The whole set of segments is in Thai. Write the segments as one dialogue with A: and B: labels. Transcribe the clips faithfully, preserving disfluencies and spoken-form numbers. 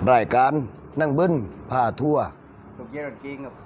A: รายการนั่งเบิ้ลพาทัวร์
B: ลูกเจี๊ยบจริงครับ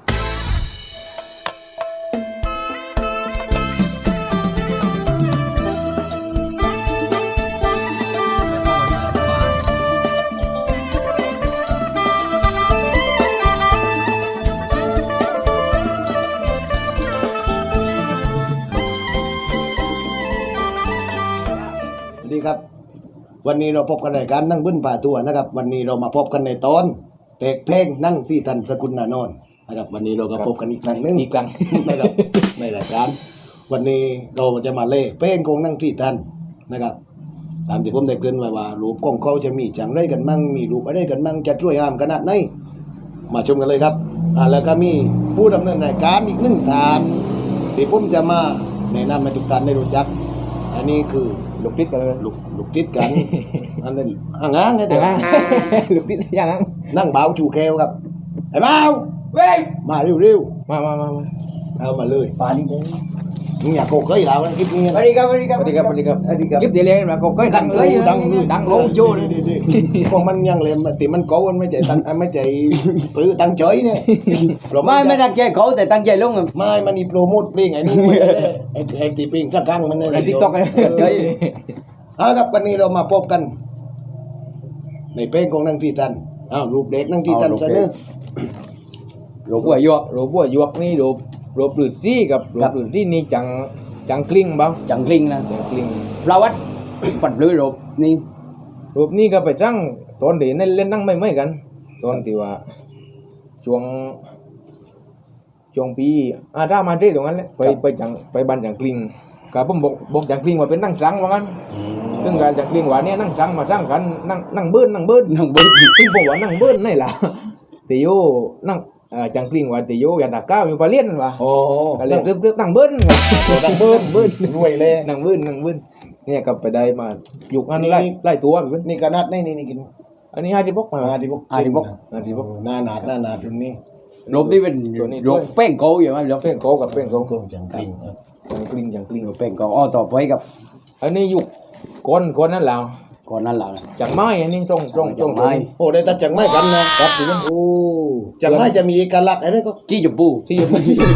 A: ดีครับวันนี้เราพบกันในการนั่งบึ้นป่าตัวนะครับวันนี้เรามาพบกันในตอนเพลงเพลงนั่งสี่ทันสกุลนานนท์นะครับวันนี้เราก็พบกันอีกครั้งหนึง
C: อีกครั้ง
A: นะครับในรายการวันนี้เราจะมาเล่เพลงของนั่งสี่ทันนะครับตามที่ผมได้เกริ่นไว้ว่ารูปของเขาจะมีจังไรกันมั่งมีรูปอะไรกันมั่งจะช่วยห้ามขนาดไหนมาชมกันเลยครับอ่าแล้วก็มีผู้ดำเนินรายการอีกหนึ่งท่านที่ผมจะมาแนะนำให้ทุกท่านได้รู้จักอันนี้คือ
C: ลูกติดกันเลย
A: ลูกลูกติดกัน อันนั้นห่างๆไงแต่
C: อย่างนั้นลูกติดอย่างนั้น
A: นั่งเบาจูแควครับไอ้เบา
C: เว้ย
A: มาเร็ว
C: มามามามา
A: ๆเอามาเลยปานี่เลยมึงอยากโกเคยเราคลิปนี้
B: สวัสดีครับสวัสดีครับ
C: สวัสดีครับสวัสดีครับ
B: สวัสดีครับ
C: คลิปเดียวเลยนะก็เคยดังเลย
A: ดังเลย
C: ดังโอ้โจเลย
A: พวกมันยังเลยติมันโกนไม่ใจตังไม่ใจปื้อตังเฉยเนี่ย
B: ไม่ไม่ตั้งใจเขาแต่ตั้งใจลงครับ
A: ไม่มันนี่โปรโมทเพลงไอ้นี่ไอ้ไอ้ตีเพลงข้างๆมันนี่
C: ไอ้ติ๊กต็อกเลย
A: เอาครับวันนี้เรามาพบกัน ในเพลงของนั่งที่ตันอ้าวรูปเด็กนั่งที่ตันซะเด้อ
C: โรบัวยวกโรบัวยวกนี่โรโรปลืดซี่กับโรปลืดซี่นี่จังจังกลิ้งบ้าง
B: จังกลิ้งนะ
C: จังกลิ้ง
B: ประวัติปัดเลยรบนี่
C: รูปนี้ก็ไปจังตอนเดี๋ยวเล่นนั่งไม่ไม่กันตอนที่ว่าช่วงช่วงปีอาถ้ามาที่ตรงนั้นแหละไปไปจังไปบ้านจังกลิ้งกับผมบอกบอกจังกลิ้งว่าเป็นนั่งจังว่างั้น ซึ่งการจากเรียงว่าเนี่ยนั่งจังมาจังกันนั่งนั่งเบิ้ลนั่งเบิ้ล
B: น้องเบิ้ล
C: ซึ่งผมว่านั่งเบิ้ลนี่แหละแต่โยนั่งเอ่อจังกลิ้งว่าแต่โยอยากดักก้าวอยู่ปลาเลี้ยนว่ะ
A: โอ้
C: ก็เลยเรียบเรียบนั่งเบิ้ล
A: นั่งเบิ้ล
C: เบิ้ล
A: รวยเลย
C: นั่งเบิ้ลนั่งเบิ้ลเนี่ยก็ไปได้มาอยู่อันไล่ไล่ตัวไป
A: นี่กระนัดนี่นี่นี่กิน
C: อันนี้ห้าที่พกมา
A: อาดิบก
C: ห้าที่พกห้าที่พก
A: หน้าหนาดหน้าหนาดรุ่นนี้
B: รบนี่เป็นรบแป้งโกอยู่ไหมรบ
C: เป้งโกกับเป้งโก
A: ก็จังกลิ้ง
C: จังกลิ้งจังกลิ้ง
B: แป้งโกอ้อต่อไปกับ
C: อันนี้อยู่ก้นก้นนั่นแหละ
B: ก่อนนั้นหลัง
C: จังไม้อันนี้ตรงตรงตรง
B: จังไม้
A: โอ้ได้ตัดจังไม้กันนะครับ
C: ที่มัน
A: โอ้จังไม้จะมีเอกลักษณ์อะไรก็
B: จี้จุบปู
C: ที่อยู่ที่อยู่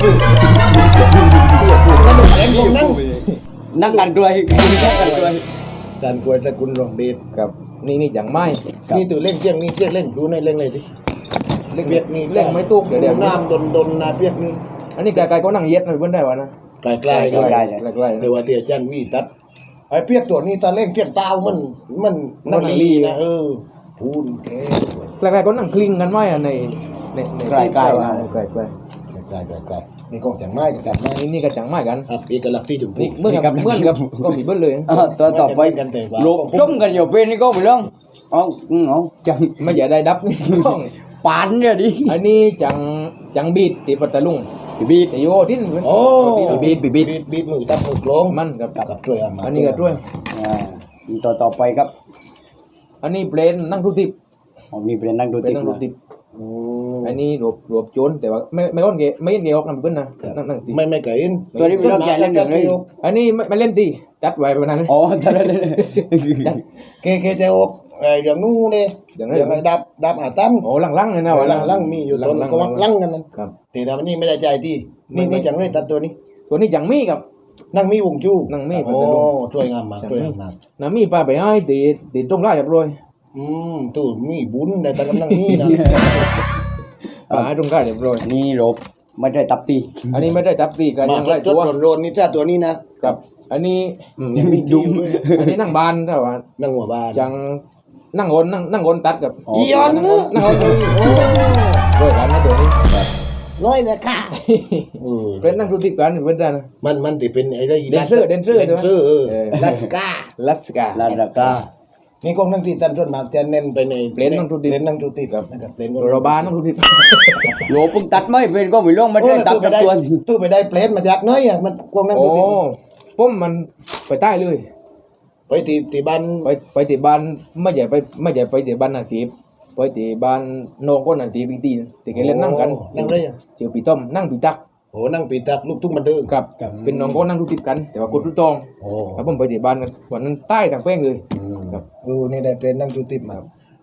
A: เอ็งผมนั่ง
B: นั่งกันด้วยนั่งกันด้วย
A: จานกวยตระกุลรองเดช
C: กับนี่นี่จังไม้
A: นี่ตัวเล่งเจียงนี่เจียงเล่งดูในเล่งเลยดิ
C: เล่น
A: เปียกนี่
C: เล่นไม่ตุกเดี๋ยวเดี๋ยว
A: น้ำดนดนนาเปียกนี่
C: อันนี้ไกลๆก็นั่งเย็ดหน่อยเพิ่นได้วะนะ
A: ไกลๆไกล
C: ไกลๆไกลๆ
A: เดี๋ยวว่าเตียจันวีตัดไอ้เปียกตัวนี้ตาเล่งเปียกตาวมันมันนักลีนะเออพูนแก
C: ไกลๆก็นั่งคลิงกันไว้อะในในใน
B: ใกล้ๆ
C: ใกล้
B: นะ
C: ใกล้ใกล้
A: ไกลๆไกลๆนี่กองจังไม้จังไม้
C: นี่นี่ก็จังไม้กัน
A: ครับเอกลักษณ์ที่ถูก
C: นี่เหมื่อนกับเหมื่อนกับก็มีเบิ้ลเลย
B: ตัวต่อไป
A: กันแต่ว่า
B: รบจมกันอยู่เป็นนี่ก็ไปลองเอาเอาจัง
C: ไม่อย่าได้ดับนี่ต้อง
B: ปานเนี่ยดิ
C: อันนี้จังจังบีดตีปัตตาลุง
B: บีด
C: แต่โยทิ้น
A: โอ้
C: บีดบีดบีด
A: บีดบีดมือตับมือโกลง
C: มันกับ
A: กับช่วยเอามา
C: อันนี้ก็ด้วย
B: อ่าต่อต่อไปครับ
C: อันนี้เพลนนั่งทุติบ
B: ผมมีเป็นนั่งดู
C: เป็น
B: ติ๊ก
C: นั่งทุติบ
A: อืม
C: อันนี้รวบรวบโจนแต่ว่าไม่ไม่ก้อนเกะไม่เห็นเกะออกนำเบิ้ลนะนั่งนั่งติ
A: ไม่ไม่ไก่อิน
B: ตัวนี้เป็นรอบใหญ่เล่นเดือดเลย
C: อันนี้ไม่ไม่เล่นตีจัดไว้ประมาณนั้น
B: อ๋อตอนนั้นเลย
A: เคเคจะออกไอ้เดี๋ยวนู้นเลย
C: อย่าง
A: เดี๋ยว
C: นั้น
A: ดับดับอาตัน
C: โอ้ลังๆเลยนะวะ
A: ลังลังมีอยู่ต้นก็วักลังกันนั่น
C: ครับ
A: แต่ดามันนี่ไม่ได้ใจที่นี่นี่จังเลยตัดตัวนี้
C: ตัวนี้จังมีกับ
A: นั่งมีวงจู้
C: นั่งมี
A: โอ้ช่วยงามมากช่วยงามมาก
C: น้ำมีปลาไปให้ตีตีตรงได้เรียบร้อย
A: อืมตู้มีบุญในตอนกำลังนี่นะ
C: ปลาให้ตรงได้เรียบร้อย
B: นี่รบไม่ได้ตับตี
C: อันนี้ไม่ได้จับตีกัน
A: มา
C: ยังไล่
A: จ
C: ตั
A: ด
C: ว
A: โรนนี่จ้าตัวนี้นะ
C: กับ อันนี้
A: อืมยังมีดุม
C: อันนี้นั่งบานแต่ว่า
A: นั่งหัวบ้าน
C: จังนั่งโอนนั่งนั่งโอนตัดกับ
A: อีออน
C: นั่ง
A: เน
C: โอ
A: อะ
C: นนั่งโอนเลยโอ้ด้วยกันนะตัวนี้
A: ร้อยนะค่ะอืม
C: เป็นนั่งดูติดกันเพื่อนนะ
A: มันมันติเป็นไอ้ได้
C: แดนเซอร์แดนเซอร์
A: แดนเซอร์เออ
C: เออ
A: ลัสกา
C: ลัสกา
B: ลาดากา
A: นี่กองนั่งตีตันส่วนมากจะเน้นไปใน
C: เพลงนั่งทุติ
A: เพลงนั่งทุติครับนะครับเพลง
C: โรบานนั่งดูติด
B: โลพึ่งตัดไม่เป็นก็ไม่ลงไม่ได้ตัด
A: ไป
B: กับ
A: ได้
B: ตัว
A: ตู้ไปได้เพลงมาจากน้อยอ่ะมันกองนั่ง
C: โอ้
A: ทุติ
C: ผมมันไปใต้เลย
A: ไปตีตีบ้าน
C: ไปไปที่บ้านไม่ใช่ไปไม่ใช่ไปที่บ้านนาทีไปที่บ้านน้องก็นาทีปีตีที่แกเล่นนั่งกัน
A: นั่งได้ยัง
C: เจอปีต้อมนั่งปีตัก
A: โอ้นั่งปีตักลูกทุ่งบันเทิง
C: กับเป็นน้องก็นั่งดูติดกัน แต่ว่าคนรุ่นตอง
A: โอ้
C: แล้วผมไปที่บ้านกันวันนั้นใต้ทางแป้งเลย
A: ครับเออนี่ได้เพลงนั่งทุติมา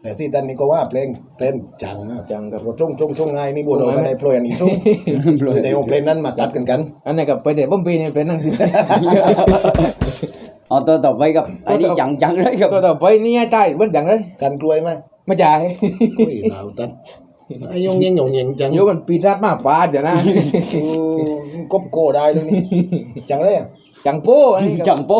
A: แต่ที่ตันนี่ก็ว่าเพลงเพลงจังนะ
C: จังกับ
A: รถช่งช่งช่งไงนี่บัวโดนกันในโปรยอันนี้ช่งในวงเพลงนั้นมาตัดกันกัน
C: อันนี้กับไปเด็ดบ้มปีนี่เป็นนั่ง
B: เอาตัวต่อไปกับไอ้นี่จังจังเลยกับ
C: ตัวต่อไปนี่ให้ใต้เบิ้ลจังเลย
A: กันกล้วยไหม
C: มาจ่าย
A: กุ้ยหนาวตัดไอ้ยงเยงยงเยงจัง
C: โยมันปีรัดมากปาเดี๋ยวนะ
A: กบโกได้เลยนี่จังเลย
C: จังโป้อันนี้กับ
B: จังโป้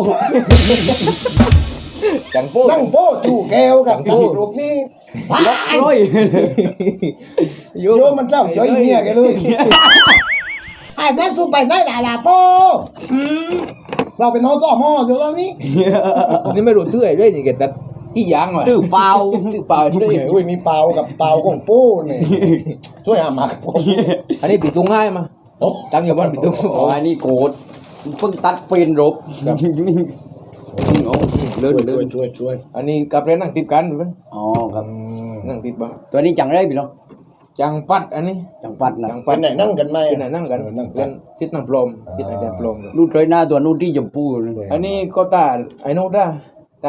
C: จังโป้
A: นั่งโป้จู่แก้วกับลูกนี่
B: ล็อกร้อย
A: โยมันเจ้าจ่อยเมียแกเลยไอ้แม่สู้ไปได้หลาลาโป้เราเป็นน้องต่อหม้ออยู่ตอนนี้
C: อันนี้ไม่รู้ตื้อด้วยนี่แกตัดพี่ยางว่ะ
B: ตื้อเปล่า
C: ตื้อเปล่าด้วย
A: อุ้ยมีเปล่ากับเปล่าของโป้เนี่ยช่วยหามากับโป้
C: อันนี้ปีตุ้งง่ายมา
A: โอ้
C: ตั้งอยู่บ้านปีตุ้ง
B: อ๋ออันนี้โกรธเพิ่งตัดเป็นรบเอาเลื่อนเลื่
A: ช่
B: อ
A: วย
B: น
A: ช่วยช่วย
C: อันนี้กับเล่นนั่งติดกันเพิ่น
B: อ๋อครับ
C: นั่งติดบ้าง
B: ตัวนี้จังเลยพี่น้อง
C: จังปัดอันนี้
B: จังปัดนะ
C: จัง
A: เป็
C: ปัด
A: นไหนนั่งกันไหม
C: เป็นไหนนั่งกัน
A: นั่งกั
C: เล่
A: น
C: นทิศนั่งพรมทิศอาจารย์พรม
B: นู่นเลยหน้าตัวนู่นที่ชมพูเลย
C: อันนี้ก็ตาไอ้โน้ตได้ตา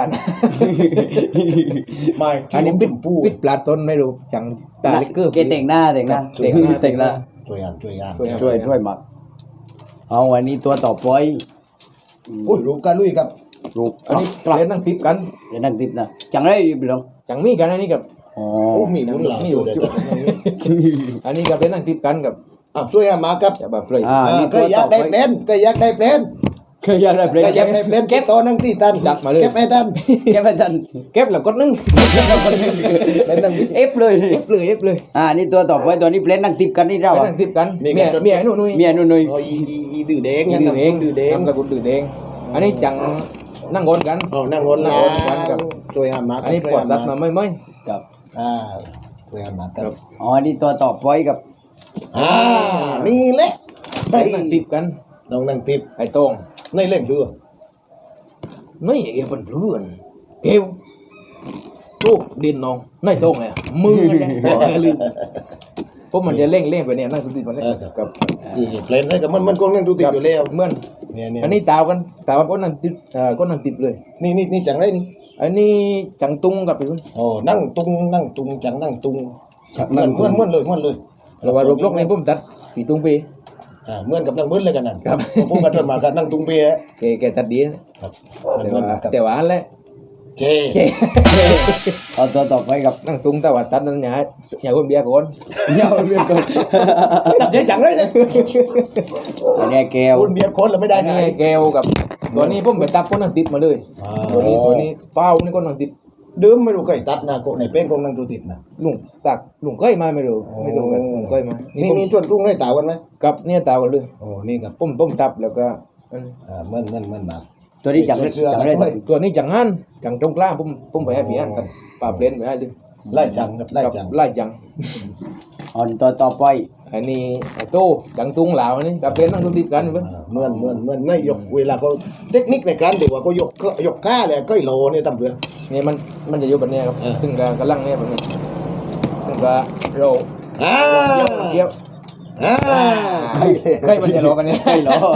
A: ไม่
C: อันนี้
A: ปิ
C: ปิ
A: ด
C: ด
A: ปู
C: ปิดปลาต้นไม่รู้จังตาลิกเกอร์
B: เกแต่งหน้าแต่งหน้า
C: แต่งหน้า
B: แต่งหน้า
A: ช่วยงานช่วยงาน
B: ช่วยช่วยมักเอาวันนี้ตัวต่อไป
A: อุ้ยรูปกันลุยครับ
B: รูป
C: อันนี้
B: กลับ
C: เล่นนั่งติดกัน
B: เดี๋ยวนั่งติดนะจังเลยพี่น้อง
C: จังมีกันอันนี้กับ
B: อ๋อ
A: โอ้มีบุญหลา
C: มีอยู่
A: เดี๋ยว
C: อันนี้กับเล่นนั่งติดกันกับ
A: อ่ะช่วยงานมาครับ
C: จะแบบเลย
B: อ่า
A: อ่า
B: นี่
A: ก็
B: ตัว
A: อยา
B: ต่
A: ก
B: อ
A: ได้
B: ไป
A: เพลนก็อยากได้เพลน
B: เคยอยากได้เพล
A: ก็
B: ง
A: อยากได้เพลนเก็บตัวนั่งที่ตัน
C: ดักมาเลย
A: เก็บให้ตัน
B: แกไม่ทัน
C: เก็บแล้วกดนึง
A: เล่นนั่งที่
B: เอฟเลย
C: เอฟเลยเอฟเลย
B: อ่านี่ตัวต่อไปตัวนี้เพลงนั่งติดกันนี่เรา
C: เล่น
B: อ่ะ
C: นั่งติดกัน
A: มี
C: เมีย
A: กัน
C: เมียไอ้หนุ่ย
B: เมียนุ่นนุ่ย
A: โอ้ยอีอีอีดื้อแดง
C: ดื้อเอง
A: ดื้อแดง
C: ทำกับคุณดื้อเองอันนี้จังนั่งงนกัน
A: โอ้นั่งงน
C: นั่
A: แล้
C: ง
A: ว
C: งนกันกับ
A: ช่วยงานมา
C: อันนี้ปวดรัดมาไม่ไม่
B: กับ
A: อ่าช่วยงานมาครับ
B: อ๋อนี่ตัวต่อไปกับ
A: อ่านี่แหละ
C: เล่นนั่งติดกัน
A: น้องนั่งติด
C: ไอ้โต้ง
A: ในเล่นเรือ
C: ไม่เอวเป็นเพื่อนเอวลูกดินน้องในโต้งเลยมือเลยลืมเพราะมันจะเร่งเร่งไปเนี่ยนั่งติดมันเลยกับ
A: นี่เพลนให้กับมันมันก็นั่งดูติดอยู่แล้ว
C: เหมื่อน
A: เนี่ยเนี่ย
C: อันนี้ตาวกันตาวก็นั่งติดเอ่อก็นั่งติดเลย
A: นี่นี่นี่จังไรนี่
C: อันนี้จังตุงกับไปพุ่น
A: โอ้นั่งตุงนั่งตุงจังนั่งตุง
B: จัก
A: เหมื
B: นั่
A: อน นเหมือนเหมือนเลยเหมือนเลย
C: เราว่ารูปลกในพุ่มตัดปีตุงปี
A: อ่าเหมือนกับนั่งเหมือนเลยกันนั่น
C: ครับ
A: ผมกระโดดมากันนั่งตุงเปีย
C: แกแกตัดดีนะครับ แต่
A: เหมือน
C: ว่า
A: กับ
C: แต่ว่าอันแหละ
A: เจ
C: แก
B: เอาตัวต่อไปกับ
C: นั่งตุงแต่ว่าตัดนั้นอย่าให้อย่าคนเบียร์คน
B: เยาเรียกก่อน
A: ตัดใจจังเลยเนี่ย
B: อันนี้แก้ว
A: คุณเบียร์คนเราไม่ได้
C: อัน
A: นะ
C: นี้แกวกับตัวนี้ผมไปตัดก็นั่งติดมาเลย
A: อ่า
C: ตัวนี้ตัวนี้เป้านี่ก็นั่งติด
A: เดิมไม่รู้ใครตัดนะโกในเป้งคงนั่งดูติดนะ
C: ลุงตักลุงก้อยมาไม่รู้ไม่รู้กันลุงก้อยมา
A: นี่
C: นี่ผม
A: นี่ชวนรุ่งให้ตาวันไหม
C: กับเนี่ยตาวกันเลย
A: โอ้นี่ครับ
C: ผมผมตับแล้วก็อัน
A: อ่าเหมือนเหมือนเหมือนมา
B: ตัวนี้จังเลยจังเลย
C: ตัวนี้จังหันจังตรงกลางผมผมไปให้พี่อันกับป่าเปลี่ยนไปให้ดิ
A: ไล่จังครับไล่
C: กับ
A: จัง
C: ไล่จัง
B: อ๋อตัวต่อไป
C: อันนี้ไอ้โต้จังตุงเหลาอันนี้กับเป็นนั่งดูติดกันเว้ย
A: อ่าเหมือนเหมือนเหมือนไม่ยกเวลาเขาเทคนิคในการเดี๋ยวว่าเขายกก็ยกก้าเลยก็โลเนี่ยตำเรือ
C: เนี่ยมันมันจะอยู่แบบเนี้ยครับ
A: เออ
C: ซึ่งก็กำลังเนี่ยแบบนี้ซึ่งก็โร
A: อ่า
C: เกี่ยว
A: อ่า
C: ใกล้มันจะโรกันเนี่ย
B: ใช่เหรอ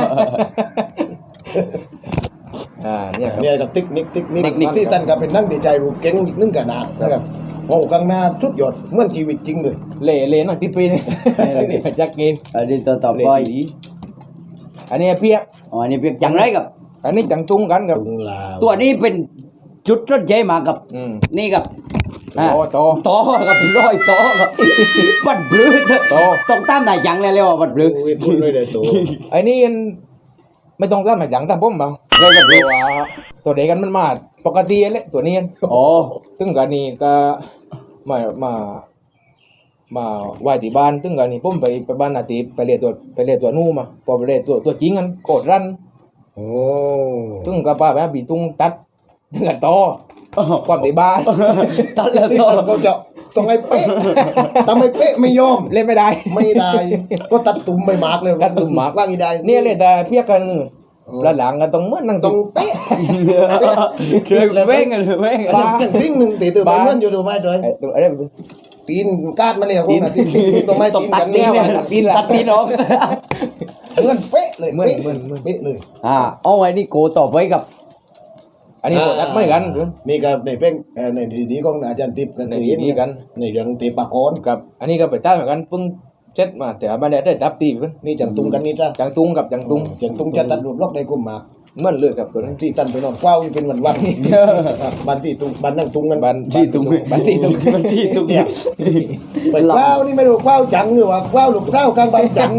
C: อ่าเนี่ยครับ
A: เนี่ยกับเทคนิคเทคนิค
C: เทคนิค
A: ที่ท่านก็เป็นนั่งดีใจรูปเก่งอีกนึงกันนะนะครับโอ้ข้างหน้าทุดยอดเหมือนชีวิตจริงเลย
C: เล่เล่นั่งติดปีนี่นี่มาจากเกม
B: อันนี้ตัวต่อ
C: เล่
B: ไป
C: ดีอันนี้เพียก
B: อ๋ออันนี้เพียงจังไรกับ
C: อันนี้จังตุงกันกับ
A: ตุงลาว
B: ตัวนี้เป็นจุดรถใจมากับ
C: อืม
B: นี่กับ
C: โตโต
B: ต่อกับร้อยต่อกับบัดบลื้อ
C: โต
B: ต้องตามนายจังเลยเรียกว่าบัดบลื้อ
A: โอ้ยพูดเลยเดี๋ยวตัว
C: ไอ้นี่มันไม่ต้องตั้งมาจังตั้งผมเปล่า
B: เลยบัดบ
C: เพ
B: ลื้อ
C: ราะว่าตัวเด็กกันมันมาปกติแหละตัวนี้
B: อ๋อ
C: ซึ่งกันนี่ก็มามามาไหว้ที่บ้านซึ่งกันนี่ผมไปไปบ้านนาทีไปเรียนตัวไปเรียนตัวนู่มาพอไปเรียนตัวตัวจริงกันโกดรัน
A: โอ้
C: ซึ่งก็ป้าแบบบีตุ้งตัดถึงกันโตความที่บ้าน
B: ตัดแล้ว
A: ที่
B: ต่อ
A: ท่านก็จะต้องให้เป๊ะทำให้เป๊ะไม่ยอม
C: เล่นไม่ได้
A: ไม่ได้ ก็ตัดตุ่มใบหมากเลย
C: ตัดตุ่มหมาก
A: ว่างอีได้
C: เนี่ยเลยแต่เพียกกันนึงแล้วหลังกันต้องเหมื่อนนั่ง
A: ต้
C: ตุ้
A: อง งเป๊ะ
B: เชื่อเลยเว้งกันเลยเว้ง
A: อันนี้อย่างทิ้งหนึ่งตีตื่นไปเหมื่อนอยู่ดูไหมจอย
C: ไอ้ตัวอะไรแบบ
A: ตีนกาดมาเลยพวกนั้นตีนตีนตรงไม้
B: ต้อง
A: ตีน
B: ตัด
A: กัน
B: ตี
A: เนี่ย
B: นเนี่ย
C: ตัดตีนละ
B: ตัดตีนออก
A: เหมือนเป๊ะเลย
C: เหมือน
A: เป๊ะ
C: เหมือนเหมือน
A: เป๊ะเลย
B: อ่าเอาไว้นี่โกต่อไปกับ
C: อันนี้กดอัดไม่กัน
A: นี่ก็ในเพลงเอ่อในทีดีของอาจารย์ติ๊บกัน
C: ในทีดีกัน
A: ในเรื่องเตปากร
C: กับอันนี้ก็ไปตั้งเหมือนกันเพิ่งเช็ดมาแต่ว่าไม่ได้ได้ดับตีเพิ่น
A: นี่จังตุงกันนี่จ้ะ
C: จังตุงกับจังตุง
A: จังตุงจะตัดรวมล็อกได้กุมมาก
C: เหมื่อนเลือกกับตัวนี้
A: ที่ตันไปนอนกว้าวอยู่เป็นวันวันบ้านที่ตุงบ้านนั่งตุงกัน
C: บันที่ตุงบันที่ตุง
B: มันที่ตรงเนี้ย
A: ไปกว้าวนี่ไม่รู้กว้าวจังหรือว่ากว้าวหลุกเท้ากลางบ้านจัง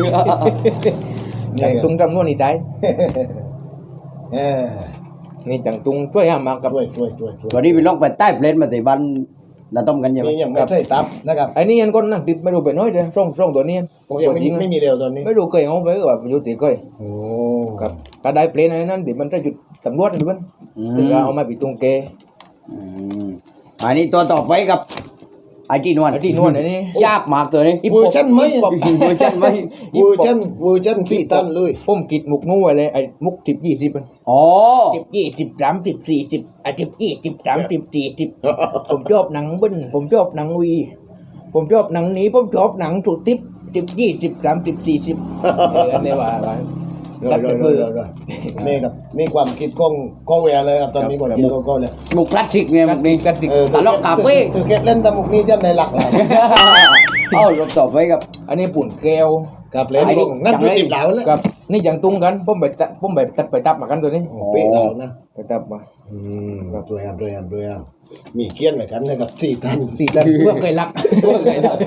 C: จังตุงจำนวนนี่ได้
A: เออ
C: นี่จังตุงช่วยห้ามมากับ
A: ช่วยช่วยช่วยช่วย
B: ตอนนี้พี่น้องไปใต้เพลนมาแต่บ้านเราต้มกันใช่ไหม
A: นี่ยังไม่ใช่ตับนะครับ
C: ไอ้นี่ยันก้นนั่งติดไม่รู้ไปน้อยเดียวร่องร่องตัวนี้
A: ผมยังไม่ไม่มีเร็วตอนนี้
C: ไม่รู้เคยเอาไปก็แบบอยู่ติเคย
A: โอ้
C: กับก็ได้เพลนอะไรนั้นเดี๋ยวมันจะหยุดตำรวจหรือมัน
B: อื
C: ถึง
B: ม
C: เอามาปิดตรงเก
B: อืมอันนี้ตัวต่อไปกับไอ้ที่นวล
C: ไอ้ที่นวลไอ้นี่
B: ยากมากตัวนี้
A: เวอร์ชันไหม
C: อีปอบ
B: เวอร์ชันไหม
A: เวอร์ชันเวอร์ชันที่ตันเลย
C: ผมกิดมุกนู้นไว้เลยไอ้มุกสิบยี่สิบมัน
B: อ๋อ
C: สิบยี่สิบสามสิบสี่สิบไอ้สิบยี่สิบสามสิบสี่สิบผมชอบหนังเบิ้ลผมชอบหนังวี ผมชอบหนังนี้ผมชอบหนังสุดทิปสิบยี่สิบสามสิบสี่สิบเออเนี่ยว่าอะไร
A: รอยรอยรอยรอยรอยนี่ครับนี่ความคิดกล้องกล้องแวร์เลยครับตอนนี้ความคิดกล้องเลย
B: มุกคลาสสิกเนี่ย
C: กั
B: มุ
C: น
B: ก
C: สิ
B: นี้
C: กันสิ
A: เออ
B: ตลกคาเฟ่
A: คือเก็บเล่นตะมุกนี่จะในหลักเลย
B: เอ้ารถต่อไปกับ
C: อันนี้ปุ่นแก้ว
A: กับเล่นกล้องนั่นคือติดเหลาแล้ว
C: กับนี่อย่างตุ้งกันผมไปตะผมไปตัดไปตับมากันตัวนี้
A: เป๊ะเหลานะ
C: ไปตับมา
A: อืมครับด้วยครับด้วยครับด้วยครับมีเกี้ยนเหมือนกันนะครับที่ตัน
C: สี่ตันเพื่อเคยรักเพื่อเคยรัก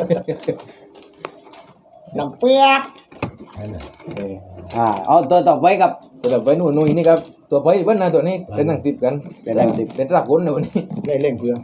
A: น้ำเปียกนั่นน่ะ
C: เออ
B: อ่าเอาตัวต่อไปกับ
C: ตัวไปนู่นนู่นนี่ครับตัวไปเบิ้ลนะตัวนี้เป็นนั่งติดกัน
B: เป็นนั่งติด
C: เป็นรักคนนะวันนี้
A: ได้เล่งเพื่อ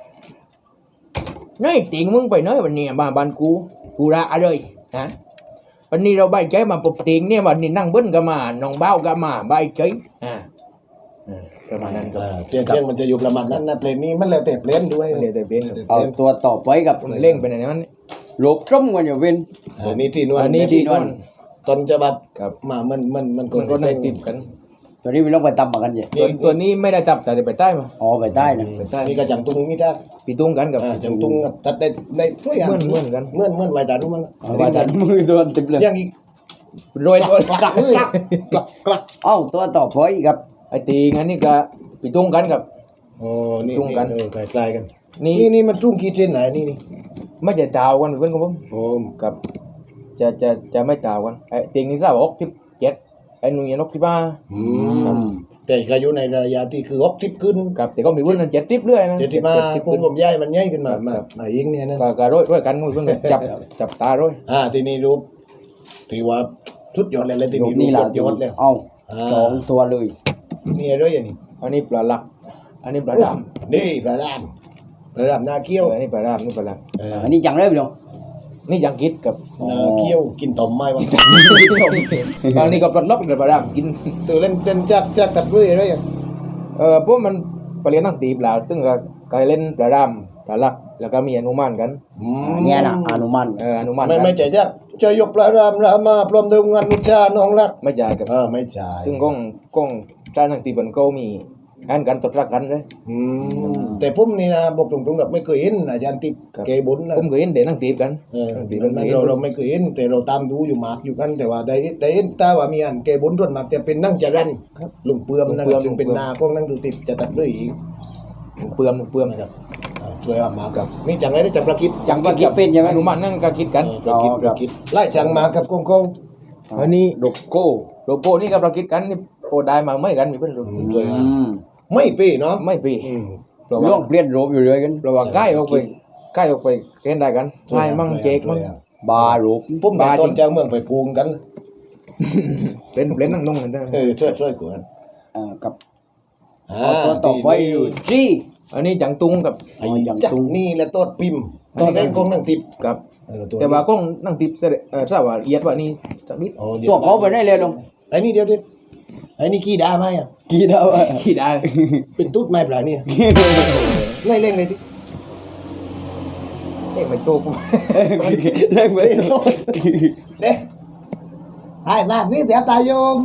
C: น้อยติงมึงไปน้อยวันนี้มาบ้านกูกูระเลยนะวันนี้เราใบใจมาปบติงเนี่ยวันนี้นั่งเบิ้ลก็มาน้องเบ้าก็มาใบใจอ่าอ่าประมาณนั้นครับ
A: อ่าเชียงเชียงมันจะอยู่ประมาณนั้นนะเพลงนี้มันแล้วแต่เพลงด้วย
C: เดี๋ยวแต่เป็น
B: เอาตัวต่อไปกับ
C: ผมเล่งไปไหนนั้น
B: หลบร่มกันอยู่เป็น
A: อันนี้ที่นวล
C: อันนี้ที่นวล
A: ตอนจะแบบ
C: ครับ
A: มามันมันมัน
C: มันก็นั่งติดกัน
B: ตัวนี้พี่น้องไปตำมากันใช่
C: ตัวตัวนี้ไม่ได้ตับแต่ไปใต้มา
B: อ๋อไปใต้นะ
C: ไปใต้
A: นี่ก็จังตุงนี่จ้า
C: ปีตุ้งกันกับ
A: อ่าจังตุงกับตัดได้ได้ช่วยกัน
C: เหมือนเหมือนกัน
A: เหมื่อนเหมื่อนไว้ตาดูมั้ง
B: เอาไปแต่มือโดนติดเลย
A: ยังอีก
C: โรยตัว
A: กลักเลยกลักกลัก
B: เอ้าตัวต่อไปกับ
C: ไอ้ตีงั้นนี่ก็ปีตุ้งกันกับ
A: โอ้นี่
C: จุงกัน
A: เออคล้ายๆกัน
C: นี่
A: นี่นี่มันจุ้งกี่เส้นไหนนี่นี่
C: ไม่จะจาวกันเพื่อนของผม
A: โอ้
C: กับ จะจะจะไม่จาวกันไอ้ตีนี่เราอกทิพเจ็ดไอ้หนุ่ยนกที่บ้า
A: อืมแต่ก็อยู่ในระยะที่คือฮอกทิปขึ้น
C: กับแต่ก็มีเพื่อนนั้นเจ็ดทิพเรื่อยนะ
A: เดี๋ยวที่มา
C: ทิพ
A: ผม
C: ขึ้น
A: ผมย้ายมันย้ายขึ้นมามามาเองเนี่ยนะ
C: ก็ก็โรยโรยกันเพื่อนก็จับจับตาโรย
A: อ่าทีนี้รูปถือว่าชุดยอดเลยเลยที
B: หล
A: นี้
B: บ
A: รู
B: นี่
A: ป
B: แหละ
A: ยอดแล้ว
B: เอ้า
A: อ่า
B: สองตัวเลย
A: นี่อะไรอย่างนี้
C: อันนี้ปลาหลัก อันนี้ปลาด
A: นี่ปลาดามปลาดามนา
C: ำ
A: เกี้ยว
C: เอออันนี้ปลาดำนี่ปลาหลัก
A: เออ
B: อันนี้จังเลยพี่น้อง
C: นี่ยังคิดกับ
A: นาเกี้ยวกินต่อมไม้วะ
C: บางนี้ก็ปลดล็อกแต่ปลาดำกิน
A: ตัวเล่นเต้นจักจักตัดด้วยอะไรอย่าง
C: เออพวกมันไปเรียนนั่งตีปลาซึ่งก็ก็เล่นปลาดำปลาหลักแล้วก็มีอนุมานกัน
A: อืม
B: อันเนี้ยนะอนุมัน
C: เอออนุมาน
A: ไม่
C: กัน
A: ไม่ใจจักจะยกปลาดามรามาพร้อมด้วยงานนุชาน้องรัก
C: ไม่จ่ายกับ
A: เออไม่จ่าย
C: ซึ่งกล้องกล้องจ้านั่งตีบนก็มีอันกันตดรักกันเลย
A: อืมแต่ผมนี่นะบอกตรงๆแบบไม่เคยเห็นอาจารย์ติบ
C: ครับ
A: เกบุญนะ
C: ผมเคยเห็นเด็กนั่งตีบกัน
A: เออ
C: นั่งตีบ
A: มั
C: กัน น
A: มัน
C: เห็น
A: เราเราไม่เคยเห็นแต่เราตามดูอยู่หมากอยู่กันแต่ว่าได้ได้เห็นแต่ว่ามีอันเกบุญรวดมากจะเป็นนั่งจรันลุงเปื่อมนะครับซึ่งเป็นนาพวกนั่งดูติดจะตัดด้วยอีก
C: เปลือมเปลือม
A: นะครับอ่าช่วยว่ามากับนี่จังไรนี่จังประกิด
B: จังว่าคิดเป็นใช่ไหม
C: อนุมานนั่งก็คิดกัน
A: ประกิดประกิดไล่จังมากับกงกง
C: อันนี้
B: ดกโก้
C: โลโก้นี่ก็เราคิดกันนี่โปรได้มาไม่กันมีเพื่อนรู้
A: ช่วย
B: อื
A: ว่าม ไม่เป้เนาะ
C: ไม่ปี
A: อืม
C: เรา
B: ร่วงเปลี่ยนรูปอยู่เลยกัน
C: เราว่าใกล้ออกไปใกล้ออกไปเล่นได้กันใช่มั่งเจ๊กมั่ง
B: บารูป
A: ผมไปตอนเจ้าเมืองไปพูงกัน
C: เล่นเล่นนั่งนุ่งกันได้
A: เออช่วยช่วยกวน
B: เอ่อกับ
A: อ่า
B: เอาตัวต่อไปอยู่จี้
C: อันนี้จังตุงกับ
A: ไอ้
B: อ๋ออย่าง
A: จัก
B: ตุ้ง
A: นี่แหละต้นปิมต้นเล่นกงนั่งติด
C: กับ
A: เออตัว
C: แต่ว่ากล้องนั่งติดเสด็จเออทราบว่าเอียดว่านี่จังนิด
A: โอ้ดี๋ย
B: ตัวเขาไปได้เลยลง
A: ไอ้นี่เดียวเดียวไอ้นี่ขี้ดาไหมอ่ะ
B: กี่ดาวอะ
C: ขี้ได้
A: เป็นตุ๊ดไหมเปล่าเนี่ยไล่เล่งเลยที
C: เอ๊ะไม่โตกู
B: เล่นไป
A: เด้ไอ้มานี่เดี๋ยวตายโยม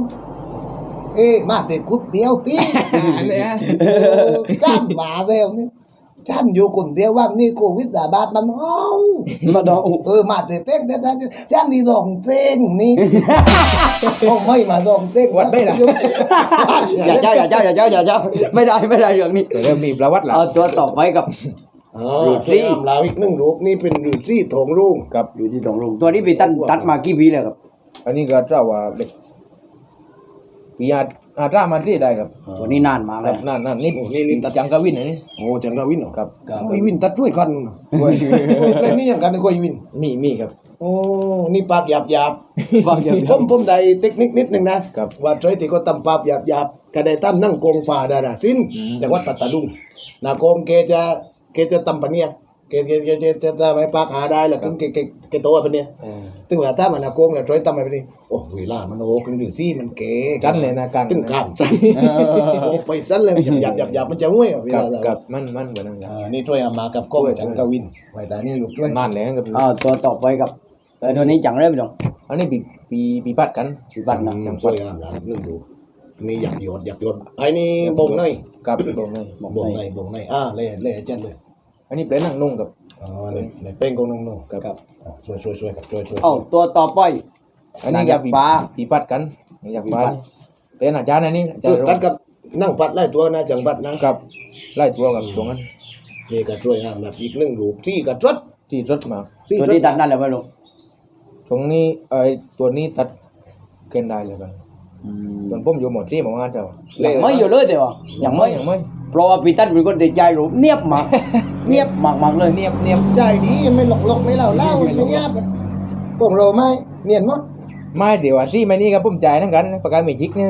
A: เอ้มาเตะกุดเดียวตี
C: อันเนี้ย
A: จ้างมาเร็วนี่ฉันอยู่คนเดียวว่างนี่โควิดระบาดมันห้อง
B: มาดอง
A: เออมาเต้นเต้นเต้นฉันนี่ร้องเต้นนี่โอ้ไม่มาร้องเต้น
C: วัดได้ล่ะ
B: อย่าเจ้าอย่าเจ้าอย่าเจ้าอย่าเจ้าไม่ได้ไม่ได้เรื่องนี้
C: เริ่มมีประวัติแล้ว
B: เอาตัวต่อไปกับ
A: อ๋อที่ทำลาวอีกหนึ่งรูปนี่เป็นรูปที่ทองรุ่ง
C: กับ
B: อยู่ที่ตรงลุงตัวนี้ไปตัดตัดมากี่ปีแล้วครับ
C: อันนี้ก็เจ้าว่าเด็กปีอาอาตรามันที่ได้ครับ
B: ตัวนี้นานมาก
C: ค
B: แล้
C: รั
B: ว
C: บนั่นนั่นนี่นี่นี่ตัดจังกวินอันนี้
A: โอ้จังกาวินเหรอ
C: ครับ
A: ไอ้วินตัดด้วยกันนู่นน่ะเล่นนี่อย่างกันไอ้กวิน
C: มีมีครับ
A: โอ้นี่ปากหยาบหยาบ
B: บางอย่าง
A: ผมผมได้เทคนิคนิดหนึ่งนะครับ ว่าใครที่เขาตำปากหยาบหยาบก็ได้ตำนั่งโกงฝ่าดาราสิ้นจากวัดปัตตาลุงนาโกงเกจะเกจะตำปะเนี่ยเกเกเกเกจะจะไม่ปากหาได้แล้วก็เกเกเกโตปะเนี่ย
C: เออ
A: ตึงว่าถ้ามันนาโกงเนี่ยใครตำไปปะเนี่ยโอ้เวลามันโอ้กันอยู่ซี่มันเก๋
C: จันเลยนะกลาง
A: ตึงข้ามจันโอ้ไปจันเลยหยาบหยาบหยาบมันจะห่วยเว
C: กั
A: ลา
C: บ
A: เรา
C: กับมันมันกว่านั้นครับ
A: อ่านี่ช่วยเอามากับกล้องจังกาวินไว้ตานี่ลูกช่วย
C: นั่นแหละครับ
B: อ่าตัวต่อไปกับแต่ตัวนี้จังเลยพี่น้อง
C: อันนี้ปีปีปีปัดกัน
B: ปีบัตรนะ
A: จังช่วยเอามานึ่งดูนี่หยาบหยดหยาบหยดไอ้นี่บงเนย
C: กับตรงนี้
A: บงเนยบงเนยอ่าเล่เล่จันเลย
C: อันนี้เป็นนั่งนุ่งกับ
A: อ๋อในในเป้งกงนังนุ่ง
C: กับ
A: อ่าช่วยช่วยช่วยครับช่วยช่วย
B: เอ้าตัวต่อไป
C: อันนี้กับปี
B: ปลา
C: ปีปัดกันอยากปลา
B: ปีปัด
C: เป็นอาจารย์อันนี้อาจาร
A: คือ
C: ย์
A: กันกับนั่งปัดไล่ตัวนะจังปัดนะ
C: กับไล่ตัวกับตรงนั้น
A: นี่ก็ช่วยห้ามแบบอีกหนึ่งรูปที่กระทรด
C: ที่รถมา
A: ที่
B: ตัวนี้ตัดนั่นแหละพี่ลุง
C: ตรงนี้ไอ้ตัวนี้ตัดเกณฑ์ได้เลยกันส่วนผมอยู่หมดที่หมองานเจ้า
B: ยังไม่อยู่เลยเดี๋ยวยังไม่
C: ยังไม่
B: เพราะว่าปีตันเป็นคนติดใจรูปเนียบมากเนียบมากมากๆเลย
C: เนียบเนียบ
A: ใจดีไม่หลอกหลอกไม่เล่าเล่าไม่เงียบพวกเราไม่เนียนมั้ง
C: ไม่เดี๋ยวที่ไม่นี่กับผมจ่ายทั้งกันประกันไม่จิกเนี่ย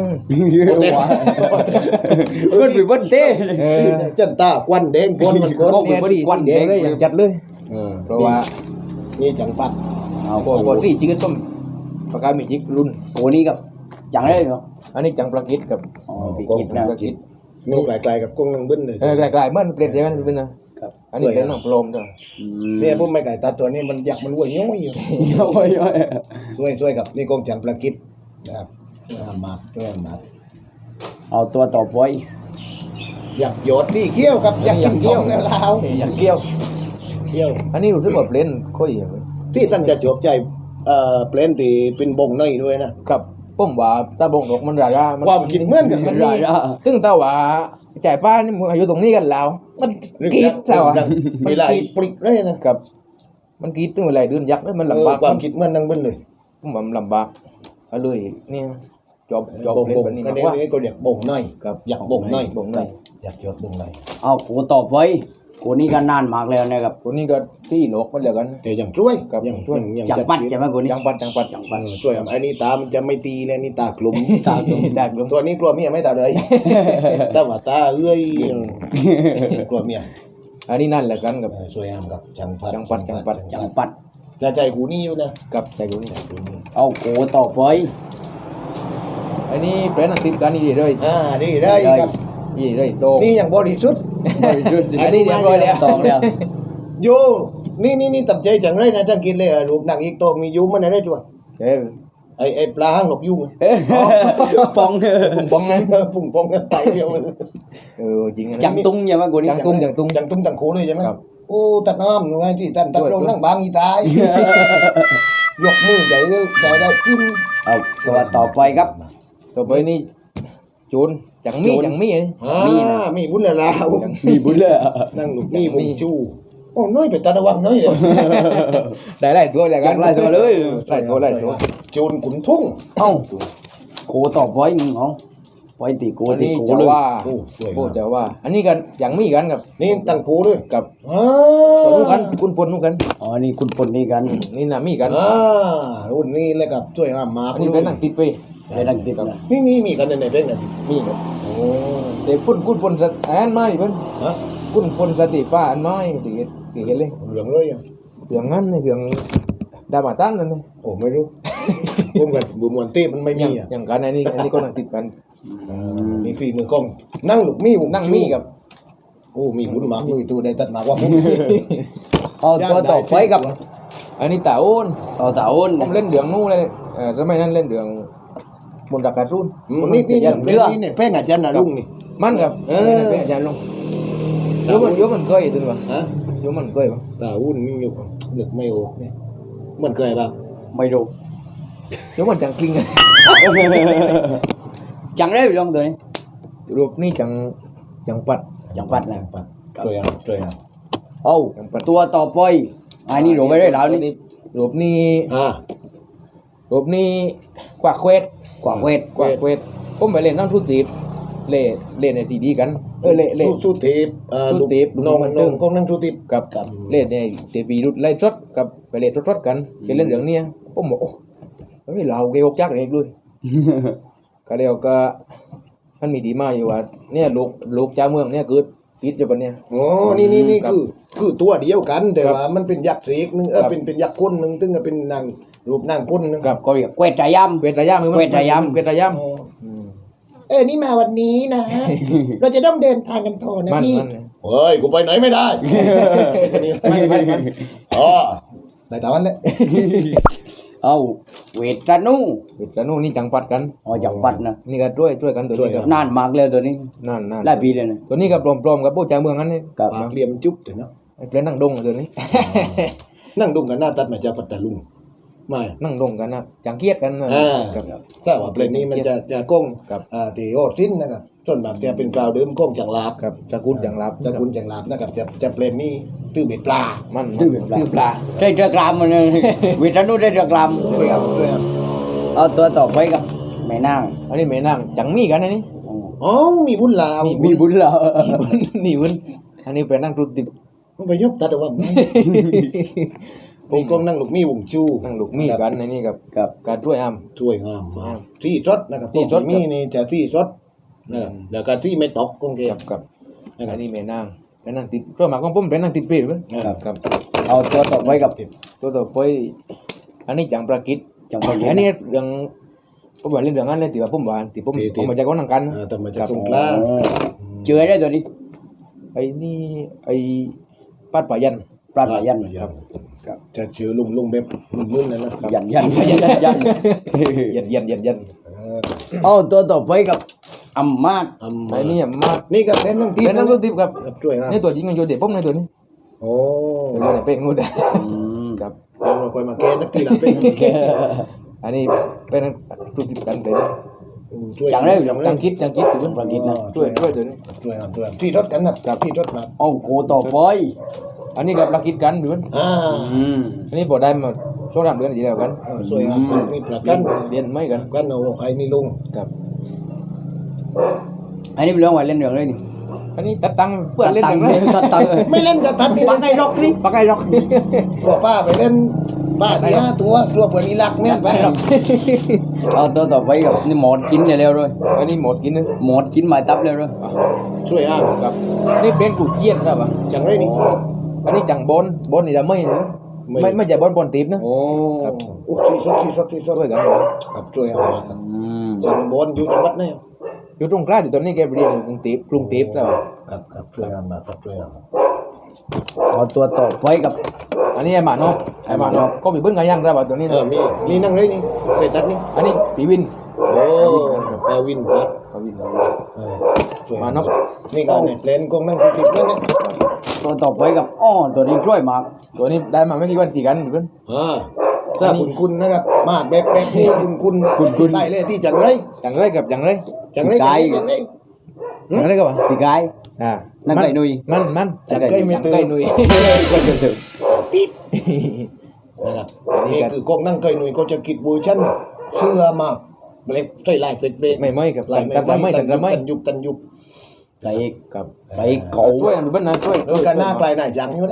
B: มันเป็นวันเต้
C: เออ
A: จันตาควันแดงปนมันคน
B: โอ้
C: เนี่ยพอดี
B: ควัน
C: เด็ก
B: แดง
C: เลยอย่างจัดเลย เพราะว่า
A: นี่จังปัด
B: เอา
C: พอพอที่จิกก็ต้มประกันไม่จิกรุ่น
B: โอ้นี้กับจังเลยเนาะ
C: อันนี้จังประกิดกับ
B: อ๋อปีกิดนะ
C: ประกิด
A: นี่ไกลๆกับกงนังบึ้นเลย
C: เออไกลๆมันเปลี่ยนใช่ไหมเป็นนะครับ อันนี้เป็นน้องโปรมจ้ะ
A: เนี่ยพวกไม่ไก่ตาตัวนี้มันอยากมันวัวย้อยอยู่
B: โอ้ยโอ้ย
A: ช่วยช่วยกับนี่กงจังประกิดนะครับห้ามมาช่วยห้ามมา
B: เอาตัวต่อไป
A: อยากโยดที่เกี้ยวครับอยากกินเกี้ยวแล้วลาว
C: อยากเกี่ยว
A: เกี้ยว
C: อันนี้รู้สึกว่าเปลี่ยนค่อยอย่างเลย
A: ที่ท่านจะจบใจเอ่อเปลนตีเป็นบงเนยด้วยนะครับ
C: ผมว่าตาบงดอกมันรารา
A: ความคิดเหมือนกัน
C: มัน
B: ได้
C: มี
B: ละ
C: ตึงตาว่าจ่ายป้านี่มึงอายุตรงนี้กันแล้ว มันกรีดเจ้าอ่ะ
A: เวลาปลิกเลยนะ
C: กับ มันกรีดตึงเวลาเดือนยักษ์เลยมันลำบาก
A: ความคิดเหมือนนังบึ้นเลย
C: ผมว่ามันลำบากเอาเลยเนี่ยจบจบบ
A: ง
C: เล่น
A: บง
C: แบบนี้
A: ก็
C: มาก
A: เนี้
C: กว่า
A: นี่ก็เรียกบงเนย
C: กับ
A: อยากบงเนย
C: บงเนย
A: อยากโยดบงเนย
B: เอากูต่อไปกูนี่ก็นานมากแล้วนะครับ
C: คนนี้ก็ที่โลกมันเหลือกัน
A: แต่ยังช่วย
C: ครับ
A: ยัง
C: ช่วย
A: ยัง
B: จังปัดใช่ไหมกูนี่
C: ยังปัดยังปัดยัง
A: เอ
C: ปัด
A: อช่วยอันนี้ตามันจะไม่ตีเลยนี่ตากลุ่ม
C: ตากลมตากลม
A: ตัวนี้กลัวเมียไม่ตาเลยแต่ว่าตาเอ้ยกลัวเมีย
C: อันนี้นั่นแหละกันกับ
A: เออช่วยห้ามกับจังปัด
C: จังปัดจังปัด
B: จังปัด
A: จะใจกูนี่อยู่นะ
C: กับใจกูนี่
B: เอากูต่อไป
C: อันนี้เป็นอังกฤษกันนี่ดีเลย
A: อ่าดีได้ครับ
C: นี่เลยโต
A: นี่อย่างบริสุทธิ์
C: อันนี้เรียบร้อยแล้ว
B: ตองแล้ว
A: โยนี่นี่นี่ตับใจจังเลยนะจังกินเลยรูปหนังอีกโตมียุ้มมันอะไรจ้ะ
C: เอ้ย
A: ไอ้ไอ้ปลาห้างหลบยุ้ง
B: ฟอง
C: ปุ่งปองนั้น
A: ปุ่งปองกันไตเดียวมัน
C: เออจริง
B: จังตุ้งใช่ไหมกูนี่
C: จังตุ้งจังตุ้ง
A: จังตุ้งจังคูเลยใช่ไหม
C: ครับ
A: โอ้ตัดน้ำหนูไงที่ท่านตัดลงนั่งบางอีตายยกมือใหญ่เลยใหญ่ได้กิน
B: เอาตัวต่อไปครับ
C: ต่อไปนี่จูนจังมีจังมี
A: อ่ามีบุญแล้ว
B: มีบุญเลย
A: นั่งหลุกนี่บุญชูโอ้น้อยไปตาระวังน้อยเลย
C: ได้ไล่ตัวแล้ว
B: อ
C: กั
B: ยาน กไล่ตัวเลย
C: ไล่ตัวไล่ตัว
A: จูนขุนทุ่ง
B: เอ้ากูต่อไปมึงเอาไปตีกู
C: อัน
B: ตี
C: นี้
B: กู
C: จะ
B: เลย
C: ว่า
A: โอ้สวย
C: พูดจะว่า อันนี้กันจังมีกันกับ
A: นี่ตั้งกูด้วย
C: กับ
A: อ่า
C: ตัวนู้นกันคุณปนนู้นกัน
B: อ๋อนี่คุณปนนี่กัน
C: นี่นะมีกัน
A: อ่ารุ่นนี้เลยกับช่วยห้ามมา
C: อันนี้เป็นอังกฤษไป
B: ไปดังติดนะ
A: นี่มีมีกันในไหนเป็นกัน
C: มีครับ
A: โอ้
C: เด็กคุณคุณปนสตอันไม้เพิ่น
A: ฮะ
C: คุณปนสติฟ้าอันไม้ตีตีกันเลย
A: เหลืองเลยอ่ะ
C: เรื่องนั้นเรื่องดามาตันนั่นเลย
A: โอ้ไม่รู้ผมกับบุญมวนเต้มันไม่มีอ่ะ
C: อย่างกันอันนี้อันนี้ก็นั่งติดกัน
A: มีฝีมือกล้องนั่งหลุกมีบุญ
C: นั่งมีกับ
A: โอ้มีบุญมากลุยตัวได้ตัดมากว่าผม
B: เอาตัวต่อไปกับ
C: อันนี้ตาโอน
B: ต่อตาอ้น
C: ผมเล่นเดืองนู้นเลยเออสมัยนั้นเล่นเดืองบนดักการ์ตูน
A: นี่นี่นี่นี่เนี่ยแป้งอาจารย์นะลุงนี่
C: มันกับ
A: เออ
C: เป็นอาจารย์ลงโยมันโยมันเคยตัววะ
A: ฮะ
C: โยมันเคยปะ
A: ตาวุ่นนี่อยู่นึกไม่ออกเนี่ยมันเคยป่ะ
B: ไม่รู้
C: โยมันจังกลิ้ง
B: chẳng đấy bị long rồi
C: รูปนี่จังจังปัด
B: chẳng bắt là
A: เคยอ่ะเคยอ่ะ
B: ô tua to poi ai đi đổ về đây lão đi
C: รูปนี่
A: อ่า
C: รูปนี่กว่าเควส
B: quả quẹt
C: กว่าเควสผมไปเล่นนั่งทุตีบเล่เล่นในซีดีกันเออเล่เล่
A: สู้สู้ทีบเอ่อ
C: สู้
A: ลูก
C: ทีบ
A: น้อง
C: ลูกมัน
A: น้อง
C: ตึง
A: กองนั่งสู้ทีบ
C: กับกับเล่นในเตปีรุดไล่รถกับไปเล่นรถๆกันไปเล่นเรื่องเนี้ยผมบอกโอ้ไม่เราเกยกจักเองด้วย ก็เดียวก็มันมีดีมาอยู่ว่าเนี่ยลูกลูกเจ้าเมืองเนี่ยคือติดอยู่ปะเนี่ย
A: อ๋อนี่นี่นี่
C: ครับ
A: คือคือตัวเดียวกัน แต่
C: ครับ
A: ว่ามันเป็นยักษ์เสกหนึงเออ
C: ครับ
A: เป็นเป็นยักษ์ก้นหนึงตึงก็เป็นนางรูปนางก้นหนึง
C: กับ
B: có việc quẹt trái âm
C: เวทระยะมือ
B: เวทระยำ
C: เวทระยะ
A: อ๋อเอ้ยนี่มาวันนี้นะ เราจะต้องเดินทางกันโทนะ
C: มัน
A: พี่
C: มัน
A: เฮ้ยกูไปไหนไม่ได้
C: ไม่ไม่มัน
A: อ๋อในตาวันเลย
B: ô quẹt ra nu
C: เวทระนู่นนี่จังปัดกัน
B: ô chẳng bắt nè
C: นี่ก็ช่วยช่วยกันตัวนี้ครับ
B: nan mạc lên rồi đi
C: นั่นนั่น
B: lại bị đây này
C: ตัวนี้ก็ปลอมๆกับพวกเจ้าเมืองนั้นนี่
B: กับ
A: ปากเหลี่ยมจุ๊บเถอะเนาะ
C: ไอ้เปลนนั่งดงตัวนี้
A: นั่งดุงกันหน้าตัดมาจากปัตตาลุงไม่
C: นั่งดงกันนะจังเกียดกันนะ
A: อ่า
C: ครับ
A: ถ้าว่าเพลงนี้มันจะจะก้อง
C: ครับ
A: อ่าตีโอดสิ้นนะครับส่วนมากจะเป็นกล่าวเดิมก้องจังลาบ
C: กับตระกูลจังรับ
A: ตระกูลจังลาบนะครับจะจะเพลงนี้ตื้อเบ็ดปลา
C: มัน
B: ตื้อเบ็ดปลา
C: ตื้อปลา
B: đây được làm mà quẹt ra nu đây được làm
A: ด้วยครับด้วยครับ
B: ờ tua to poi gặp mẹ nang
C: อันนี้แม่นั่งจังมีกันอันนี้
A: อ๋อมีบุญลาว
C: มี
B: bị bún lợ
C: นี่วุ้นอันนี้เป็นนั่งตุติบ
A: มันไปยบตัดเอาว่าผมก้องนั่งลูกมีวงจู
C: นั่งลูกมีกันในนี่กับ
B: กับ
C: การช่วยอ้ํ
A: ช่วยงามมากที่รถนะครับ
C: ที่รถ
A: มีนี่จะที่รถนะครับแล้วก็ที่ไม่ตกก้องเก
C: กับกับอันนี้แม่นั่งเป็นนั่งติดเพื่อมาของผมเป็นนั่งติดเปรี้ยวกับกับ
B: ờ tua to poi gặp
C: ตัวต่อไปอันนี้จังประกิต
B: chẳng phải
C: อันนี้เรื่องผมว่าเรื่องนั้นเลยที่ว่าผมว่าที่ผมผมมาจากคนนังกัน
A: อ่าแต่มาจาก
C: ครับ
A: สงขลา
B: chưa đấy rồi đi
C: ไอ้นี่ไอ้ปัดป่ายัน
B: prat là dân
A: ครับจะเชื่อลุงลุงแบบมึนๆนั่นแหละ
B: dân dân dân dân
C: ยันยันยันยัน
B: ô tua to poi gặp âm mát
A: อืม
C: ไอ้นี่มา
A: นี่ก็เล่นนั่งตี
C: เป็นนั่งตัวติบกับ
A: ครับช่วยงาม
C: นี่ตัวจริงกันโยเด็ผมในตัวนี้
A: โอ้
C: ตัวไหนเป็นงูได้
B: ừ.
C: ครับ
A: เราคอยมาแก้นักทีหลังเป็น
C: อันนี้เป็นตัวติบกันเป็น
A: ช่วย
B: chẳng đấy
A: จัง
C: จังคิดจังคิดตัวนี้
B: ประกิตนะ
C: ช่วยช่วยตัวนี้
A: ช่วยงามช่วยงามที่รถกันนะครับที่รถมา
B: ô cô to poi
C: อันนี้กับประกิดกันดู
A: อ่า
B: ừ.
C: อันนี้พอได้มาช่วงรำเดือนที่แล้วกัน
A: ช่วยงามนี่ประ
C: เรี
A: กั
C: ย
A: น
C: นเรียนไม่กัน
A: กันเอาไอ้นี่ลุง
C: ครับ
B: anh đi luôn ngoài lên đường đây đi
C: อันนี้ตัดตังค์เพื่อน
B: tắt
C: เล่น
B: tăng
C: จังเลย
B: tắt tăng
A: ไม่เล่นกับทัดนี่
B: bắt cái rock đi bắt cái rock
A: บอกป้าไปเล่นป้าที่ห้าตัวตัวเปิดนี่รักแม่นไป
B: ờ tôi tao phải gặp như một chín này leo rồi
C: อันนี้หมดกินนึง
B: một chín mài tắp leo rồi
A: ช่วยงาม
C: ครับอันนี้เป็นกูเจียนครับอ่ะ
A: จังไรนี่
C: อันนี้จังบอลบอลนี่จะไม่นะไม่ไม่ใช่บอลบอลตีบนะ
A: โอ้โอ้ที่สดที่สดที่สด
C: ช่วยกัน
A: ครับช่วยงามมากครับ
B: ừ.
A: จังบอลอยู่จังหวัดไหน
C: อยู่ตรงกลางอยู่ตอนนี้แกไปเรียนอยู่กรุงเทพกรุงเทพแล้ว
A: ครับครับช่วยงามมากครับช่วยงามมาก
B: ờ tôi tao phải gặp
C: อันนี้ไอ้หมานกไอ้หมานกก็มีเบิ้ลกันยังครับตัวนี้
A: เอ
C: นะ
A: อมีนี่นั่งไรนี่เคยตัดนี่
C: อันนี้ปีวิน
A: โอ้เออวินตัด
C: ปีวิน
A: เออช่วย
C: มานก
A: นี่ก็เนี่ยเพลนกงนั่งติดนั่นเนี่ย
B: tôi tao phải gặp ô tôi đi trôi mà
C: ตัวนี้ได้มาไม่กี่วันกี่กันเบิ้ล
A: อ่าถ้าคุณคุณนะครับมาแบบแบบนี้คุณคุณคุณคุณได้เลยที่จังไร
C: จังไรกับจังไร
A: จังไรจังไร
C: จังไรกับว่า
B: thì gái
C: อ่า
B: นั่งไก่นุย
C: มันมัน
A: จังไรไม่
C: จัง
A: ตื่
C: ไก่
A: น
C: นุย
A: นะครับนี่คือกงนั่งเคยหนุ่ยเขาจะคิดเวอร์ชันเสื้อมาเบรกใส่ลายเบรกเบรก
C: ไม่ไม่กับ
A: ลาย
C: แต่ไม่ไม่แต่ไม่
A: ตันยุบตันยุบ
B: phải
C: กับ
B: phải
C: ช่วย
B: cậu
C: มีเบิ้ลนะช่วย
A: เออกันหน้าไกลหน่ายจังอยู่นะ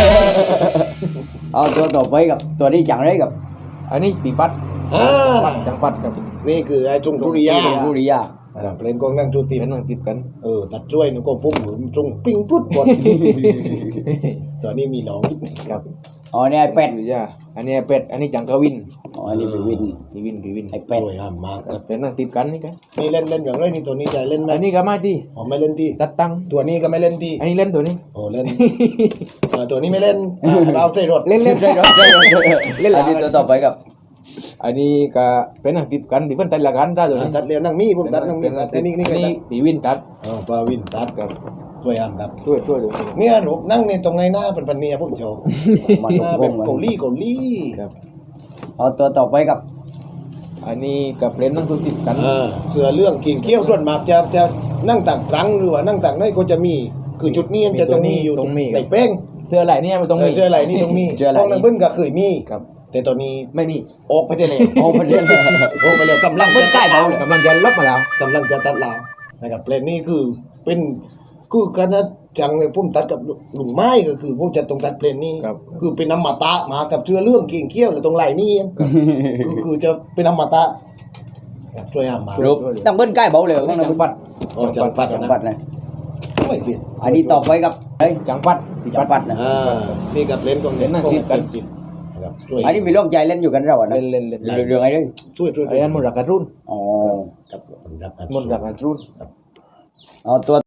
B: ờ tôi tao phải gặp tôi đi chẳng đấy gặp
C: อันนี้ปีปัด
A: อ่า
C: ปัดจังปัดกับ
A: นี่คือไอ้จงกุริยา
B: กูđi à
A: อ่าเพลงกงนั่งจูตี
C: เป็นนั่งติดกัน
A: เออตัดช่วยนึกก็พุ่งหนุนจงปิ้งพุดบอลตอนนี้มีน้อง
C: กับ
B: ờ này ai
C: เป็
B: pet
C: ดจ้าอันนี้เป็ดอันนี้จังกวิน
B: ờ anh đi bị win
C: ปีวินปีวิน
B: ai
A: ส
B: pet
A: วยงามมากครับ
C: เป็นนั่งติดกันนี่กัน
A: นี่เล่นเล่นอย่างไรนี่ตัวนี้จะเล่นไหม
C: อันนี้ก็ไม่ที่
A: อ๋อไม่เล่นที่
C: ตัดตังค์
A: ตัวนี้ก็ไม่เล่นที่
C: อันนี้เล่นตัวนี้
A: โอ้เล่นเออตัวนี้ไม่เล่นอ่าเราใจรถ
C: เล่นเล่น
B: rồi rồi rồi
C: Lên lại.
B: anh đi tôi tao phải gặp
C: อันนี้ก็เป็นนั่งติดกันที่เพิ่นตัดละกันได้ตัวนี้
A: ตัดเรียนนั่งมีผมตัดนั่งมีตัดไอ้นี่นี่
C: อัน
A: ก็ตั
C: นี้
A: ด
C: ปีวินตัด
A: อ๋อปาวินตัด
C: กับ
A: ช่วยอ่ำครับ
C: ช่วยช่วยดู
A: เนี่ยรูปนั่งในตรงไงหน้าเป็นพันเนียผมโชว์
B: มา
A: ห
B: ตก
A: น้า
B: ล
A: เป็
B: ง
A: น
B: กัน
A: เกาหลีเกาหลี
C: ครับ
B: เอาตัวต่อไปกับ
C: อันนี้กับเล่นนั่งตัวติดกัน
A: เออเสือเรื่องกิ่งเกี้ยวต้นหมากจะจะนั่งต่างครั้งหรือว่านั่งต่างน้อยก็จะมีคือจุดนี้มันจะต้องมีอยู่ในเป้ง
C: เสื้อไหล่เนี่ยมันต้อง
A: เอ
C: มี
A: อเชื่ออะไรนี่ต้องมีห้องนังบึ้นก็เคยมี
C: ครับ
A: แต่ตอนนี้
C: ไม่มี
A: ออกไปได้เลย
B: โอ้ประเด็น
A: ออกไปแล้วกำลัง
B: เบิ้ลใกล้เบาเลย
C: กำลังจะลบมาแล้ว
A: กำลังจะตัดลาวนะครับเพลงนี้คือเป็นคือคณะจังเลยพุ่มตัดกับลุงไม้ก็คือพวกจะตรงตัดเพลงนี้
C: ครับ
A: คือเป็นอมตะมากับเชื่อเรื่องกิ่งเกี้ยวแล้วตรงไหล่นี่คือคือจะเป็นอมตะครับช่วยห้ามมา
B: รูปตั้งเบิ้ลใกล้เบาเลย
C: จั
B: ต้อง
C: ง
B: นะ
C: ปัด
A: อ๋อจังปัด
B: จัง
A: นะ
B: ปัดนะ
A: ไม่เปลี่ยน
B: อันนี้ต่อไปกับเฮ้ย
C: จังปัด
B: จังปัดนะ
A: อ่านี่กับเล่นกองเล่น
C: เล่นหน้าที่กัน
A: นะครับช่วย
B: อันนี้มีโรคใจเล่นอยู่กันเราอ่ะนะ
C: เล่นเล่นเล่น
B: เรื่องเรื่องอะไรด้วย
A: ช่วยช่วย
C: ไอ้อันมันรักกันรุ่น
B: อ๋อ
A: ครับครับ
C: มันรักกันรุ่น
B: เอาตัว